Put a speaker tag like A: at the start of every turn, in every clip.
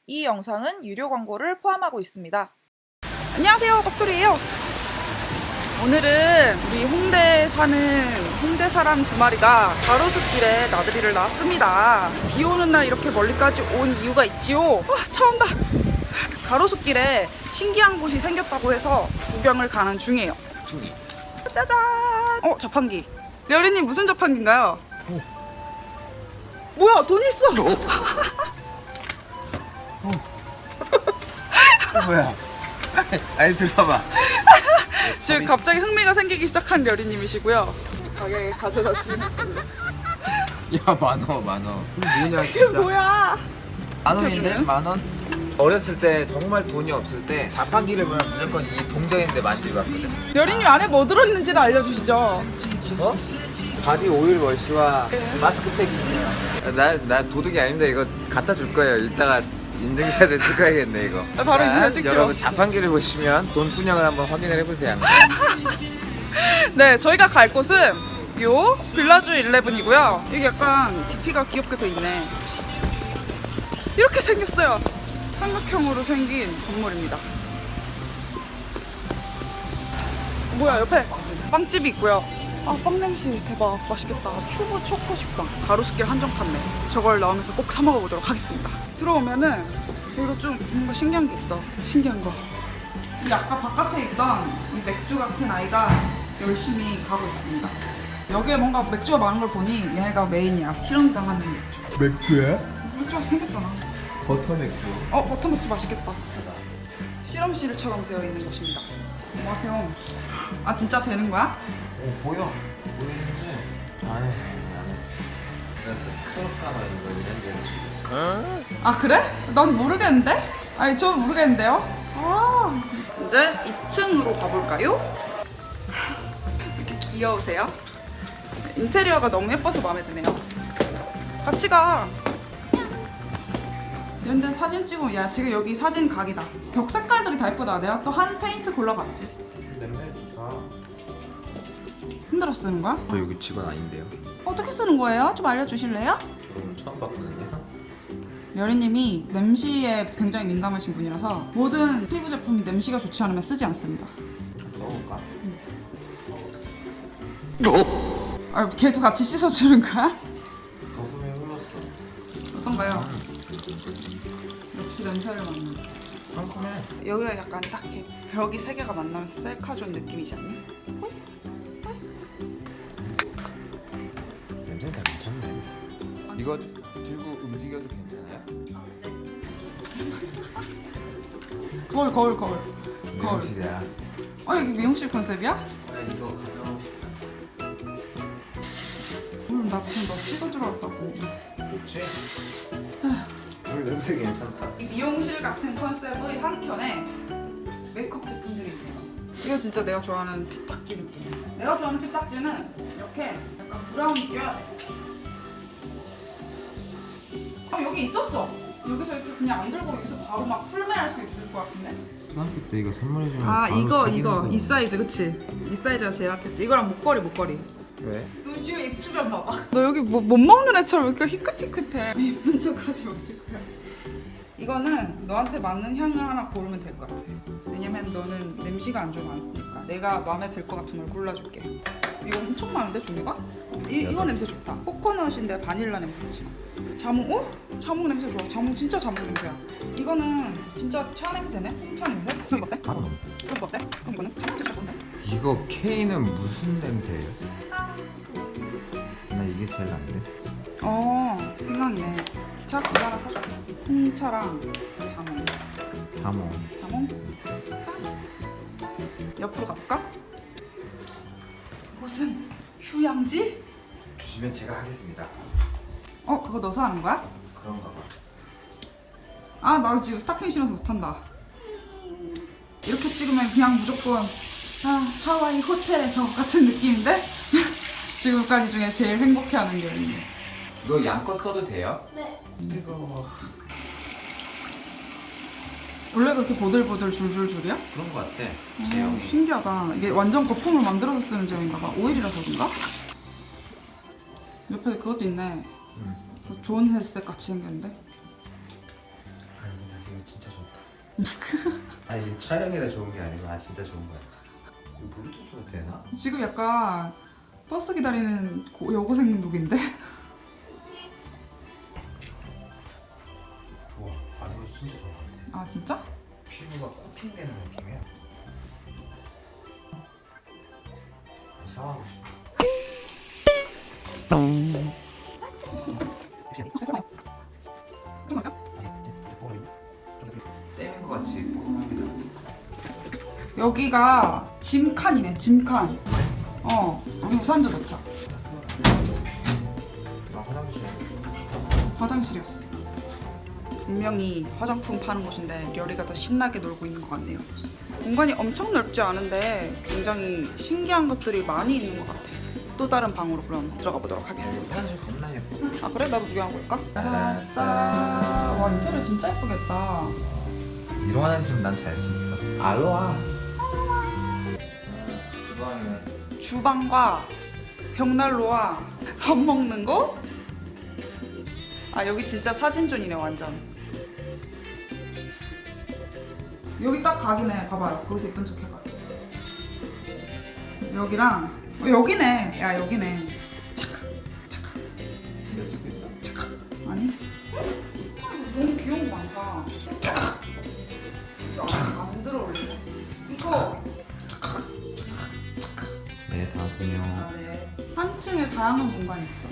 A: 이 영상은 유료 광고를 포함하고 있습니다. 안녕하세요, 깍돌이에요. 오늘은 우리 홍대에 사는 홍대 사람 두 마리가 가로수길에 나들이를 나왔습니다. 비 오는 날 이렇게 멀리까지 온 이유가 있지요. 처음 봐. 가로수길에 신기한 곳이 생겼다고 해서 구경을 가는 중이에요. 짜잔! 자판기. 려리님 무슨 자판기인가요? 뭐야, 돈 있어!
B: 뭐야? 아니 들어봐.
A: 지금 갑자기 흥미가 생기기 시작한 려리님이시고요. 가게에 가져다
B: 야, 만원. 뭐냐
A: 이게
B: 진짜.
A: 뭐야?
B: 만원인데? 만원? 어렸을 때 정말 돈이 없을 때 자판기를 보면 무조건 이 동전인데 만들고 왔거든.
A: 려리님 안에 뭐 들어있는지를 알려주시죠.
B: 어? 바디 오일 워시와 마스크팩이 있네요. 나 도둑이 아닙니다. 이거 갖다 줄 거예요. 이따가 인증샷을 찍어야겠네 이거.
A: 바로
B: 자,
A: 인증샷 찍죠.
B: 여러분 자판기를 보시면 돈분영을 한번 확인을 해보세요.
A: 네, 저희가 갈 곳은 요 빌라주 11이고요. 이게 약간 DP가 귀엽게 돼 있네. 이렇게 생겼어요. 삼각형으로 생긴 건물입니다. 뭐야, 옆에 빵집이 있고요. 빵 냄새 대박. 맛있겠다. 큐브 초코 식빵. 가로수길 한정 판매. 저걸 나오면서 꼭 사 먹어보도록 하겠습니다. 들어오면은 이거 좀 뭔가 신기한 게 있어. 신기한 거. 이 아까 바깥에 있던 이 맥주 같은 아이가 열심히 가고 있습니다. 여기에 뭔가 맥주가 많은 걸 보니 얘가 메인이야. 실험당하는 맥주.
B: 맥주야?
A: 맥주가 생겼잖아.
B: 버터 맥주.
A: 버터 맥주 맛있겠다. 실험실처럼 되어 있는 곳입니다. 안녕하세요. 진짜 되는 거야?
B: 보여. 보이는데. 아니. 클럽가마 이거 이런 데.
A: 그래? 난 모르겠는데? 저는 모르겠는데요? 이제 2층으로 가볼까요? 이렇게 귀여우세요? 인테리어가 너무 예뻐서 마음에 드네요. 같이 가. 이런데 사진 찍으면, 야, 지금 여기 사진 각이다. 벽 색깔들이 다 예쁘다. 내가 또 한 페인트 골라봤지.
B: 냄새 좋다.
A: 흔들어 쓰는 거야?
B: 저 여기 직원 아닌데요.
A: 어떻게 쓰는 거예요? 좀 알려주실래요?
B: 저 오늘 처음 봤거든요.
A: 려리님이 냄새에 굉장히 민감하신 분이라서 모든 피부 제품이 냄새가 좋지 않으면 쓰지 않습니다.
B: 써볼까?
A: 걔도 같이 씻어주는 거야?
B: 거품이 흘렀어.
A: 어떤가요? 역시 냄새를 맡는.
B: 상큼해.
A: 여기가 약간 딱 이렇게 벽이 세 개가 만나면서 셀카존 느낌이지 않니?
B: 냄새 다 괜찮네. 이거 들고 움직여도 괜찮아요?
A: 거울.
B: 미용실이야.
A: 여기 미용실 컨셉이야?
B: 나 이거 가져가고 싶어.
A: 나 무슨 너 찍어주러 왔다고.
B: 좋지? 물 냄새 괜찮다.
A: 이 미용실 같은 컨셉의 한켠에 메이크업 제품들이 있네요. 이거 진짜 내가 좋아하는 피딱지 느낌. 내가 좋아하는 피딱지는 이렇게 약간 브라운이 껴야 돼. 여기 있었어. 여기서 이렇게 그냥 안 들고 여기서 바로 막 풀매할 수 있을 것 같은데.
B: 초등학교 때 이거 선물해주면
A: 이거 이 사이즈, 그치? 이 사이즈가 제일 핫했지. 이거랑 목걸이.
B: 왜?
A: 너 지금 입주변 봐봐. 너 여기 못 먹는 애처럼 이렇게 희끗희끗해. 예쁜 척하지 마시고요. 이거는 너한테 맞는 향을 하나 고르면 될 것 같아. 왜냐면 너는 냄새가 안 좋으면 안 쓰니까 내가 마음에 들 것 같은 걸 골라줄게. 이거 엄청 많은데 종류가? 이거 냄새 좋다. 코코넛인데 바닐라 냄새 같이 나. 자몽? 자몽 냄새 좋아. 진짜 자몽 냄새야. 이거는 진짜 차 냄새네? 홍차 냄새? 그럼 이거 어때?
B: 바로 넘어.
A: 그럼 이거 어때? 그럼 이거는 자몽 냄새 좋은데?
B: 이거 K는 무슨 냄새예요? 나 이게 제일 난데.
A: 생각이네. 자, 이거 하나 사줘. 홍차랑 자몽.
B: 자몽.
A: 짠. 옆으로 가볼까? 이곳은 휴양지?
B: 주시면 제가 하겠습니다.
A: 그거 넣어서 하는 거야?
B: 그런가 봐.
A: 나 지금 스타킹 신어서 못한다. 이렇게 찍으면 그냥 무조건 하와이 호텔에서 같은 느낌인데? 지금까지 중에 제일 행복해하는 게 있네.
B: 이거 양껏 써도 돼요?
C: 네.
B: 뜨거워.
A: 원래 그렇게 보들보들 줄줄줄이야?
B: 그런 거 같아. 제형이.
A: 신기하다. 이게 완전 거품을 만들어서 쓰는 제형인가 봐. 오일이라서 그런가? 옆에 그것도 있네. 좋은 헬스색 같이 생겼는데?
B: 아니,
C: 진짜 좋다. 아니 촬영이라 좋은 게 아니고 진짜 좋은 거야. 이거 블루투스가 되나?
A: 지금 약간 버스 기다리는 여고생 룩인데?
C: 좋아. 이거 진짜 좋은 거 같아.
A: 아 진짜?
B: 피부가 코팅되는 느낌이야.
C: 샤워하고 싶어.
B: 떼는 것 같이 뽀송합니다.
A: 여기가 짐칸이네, 짐칸. 여기 우산도 넣자.
C: 나 화장실.
A: 화장실이었어. 분명히 화장품 파는 곳인데 려리가 더 신나게 놀고 있는 것 같네요. 공간이 엄청 넓지 않은데 굉장히 신기한 것들이 많이 있는 것 같아. 또 다른 방으로 그럼 들어가 보도록 하겠습니다.
C: 화장실 겁나 예뻐.
A: 아 그래? 나도 구경하고 볼까? 따라따. 와 인테리어 진짜 예쁘겠다.
B: 이런 화장실은 난 잘 수 있어. 알로하. 주방이네.
A: 주방과 벽난로와 밥 먹는 곳? 아 여기 진짜 사진존이네 완전. 여기 딱 각이네. 봐봐요. 거기서 예쁜 척 해봐. 여기랑 여기네. 야 여기네. 착각.
B: 진짜 찍고 있어?
A: 아니? 이거 너무 귀여운 거 많다. 안 들어올리네. 이거.
B: 네, 다음이요.
A: 아, 네. 한 층에 다양한 공간이 있어.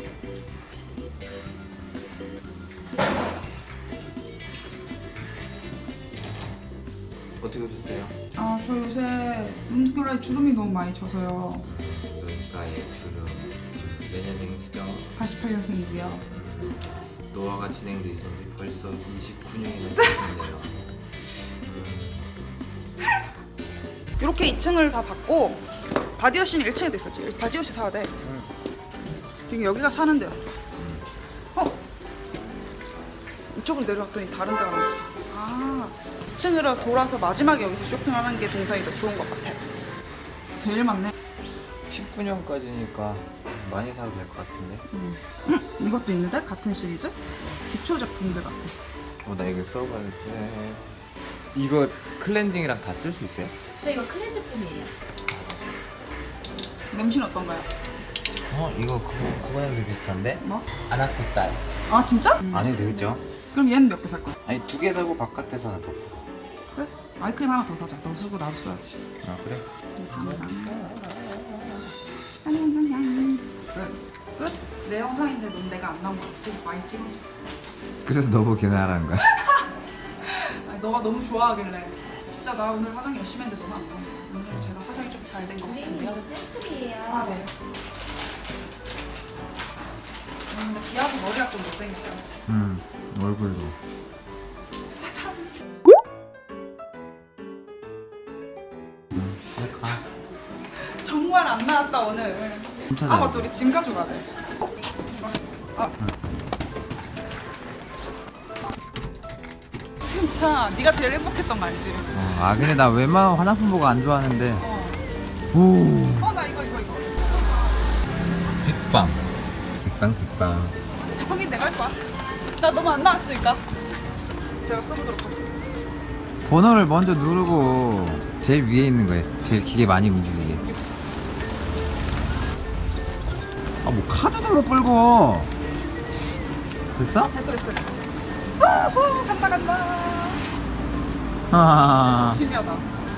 B: 어떻게 오셨어요?
A: 아, 저 요새 눈가에 주름이 너무 많이 져서요.
B: 눈가에 주름. 내년생이시죠?
A: 88년생이고요.
B: 노화가 진행돼 있었는지 벌써 29년이나 지났네요.
A: 이렇게 2층을 다 받고 바디워시는 1층에도 있었지. 바디워시 사야 돼. 지금 여기가 사는 데였어. 이쪽으로 내려왔더니 다른 데가 나왔어. 아, 2층으로 돌아서 마지막에 여기서 쇼핑하는 게 동선이 더 좋은 것 같아. 제일 많네.
B: 19년까지니까 많이 사도 될 것 같은데.
A: 이것도 있는데? 같은 시리즈? 기초 제품들 같아.
B: 나 이거 써봐야 돼. 이거 클렌징이랑 다 쓸 수 있어요?
D: 네, 이거 클렌즈품이에요.
A: 냄새는 어떤가요?
B: 이거 그거 냄새 비슷한데?
A: 뭐?
B: 아나코딸.
A: 아 진짜?
B: 안 해도 되겠죠?
A: 그럼 얘는 몇 개 살 거야?
B: 아니 2개 사고 바깥에서 하나 더.
A: 그래? 아이크림 하나 더 사자. 너 쓰고 나도 써야지.
B: 아 그래?
A: 끝? 내 영상인데 넌 내가 안 나온 거 같지? 많이 찍어줘.
B: 그래서 너 보기는 하라는 거야?
A: 아니, 너가 너무 좋아하길래 진짜 나 오늘 화장 열심히 했는데 너무 안 나온 거야. 오늘 제가 화장이 좀 잘 된 것
D: 선생님,
A: 같은데요?
D: 이거 샘플이에요.
A: 아 네. 근데 기아도 머리가 좀 못생겼지.
B: 얼굴도.
A: 짜잔. 정말 안 나왔다 오늘.
B: 진짜
A: 아 맞다 우리 짐 가져가야 돼. 진짜 네가 제일 행복했던 거 알지?
B: 근데 나 웬만한 화장품 보고 안 좋아하는데.
A: 어.
B: 오.
A: 나 이거.
B: 식빵. 식빵.
A: 자판기 내가 할 거야. 나 너무 안 나왔으니까. 제가 써보도록 하겠습니다.
B: 번호를 먼저 누르고 제일 위에 있는 거예요. 제일 기계 많이 움직이게. 뭐 카드도 못 끌고. 됐어?
A: 됐어. 간다.
B: 아.
A: 신기하다.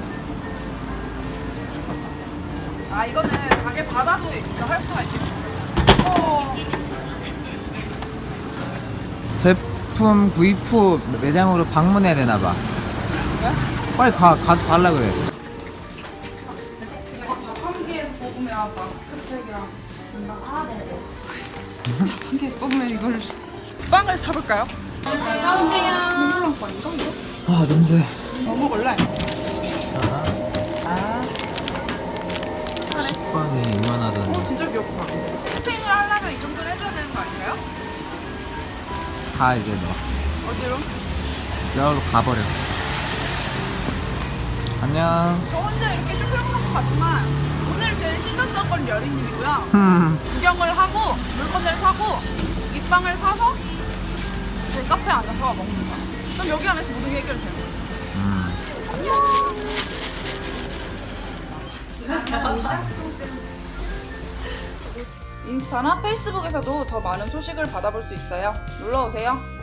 A: 아 이거는 가게 받아도 이거 할 수가 있겠네.
B: 제품 구입 후 매장으로 방문해야 되나 봐.
A: 왜?
B: 빨리 가서 달라 그래.
A: 이거 자판기에서 뽑으면 마스크팩이랑 준다.
D: 아, 네네.
A: 자판기에서 뽑으면 이걸 빵을 사볼까요?
D: 가운데요.
A: 민물랑 빵인가 이거?
B: 아 냄새.
A: 뭐 먹을래?
B: 식빵이 이만하다니.
A: 진짜 귀엽다. 쇼핑을 하려면 이 정도는 해줘야 되는 거 아닌가요?
B: 다 이제 너
A: 어디로?
B: 저로 가버려. 안녕.
A: 저 혼자 이렇게 쇼핑하는 것 같지만 오늘 제일 신났던 건 여리님이고요. 구경을 하고 물건을 사고 이 빵을 사서 제 카페에 앉아서 먹는 거야. 그럼 여기 안에서 모든 게 해결되는 거야. 인스타나 페이스북에서도 더 많은 소식을 받아볼 수 있어요. 놀러 오세요.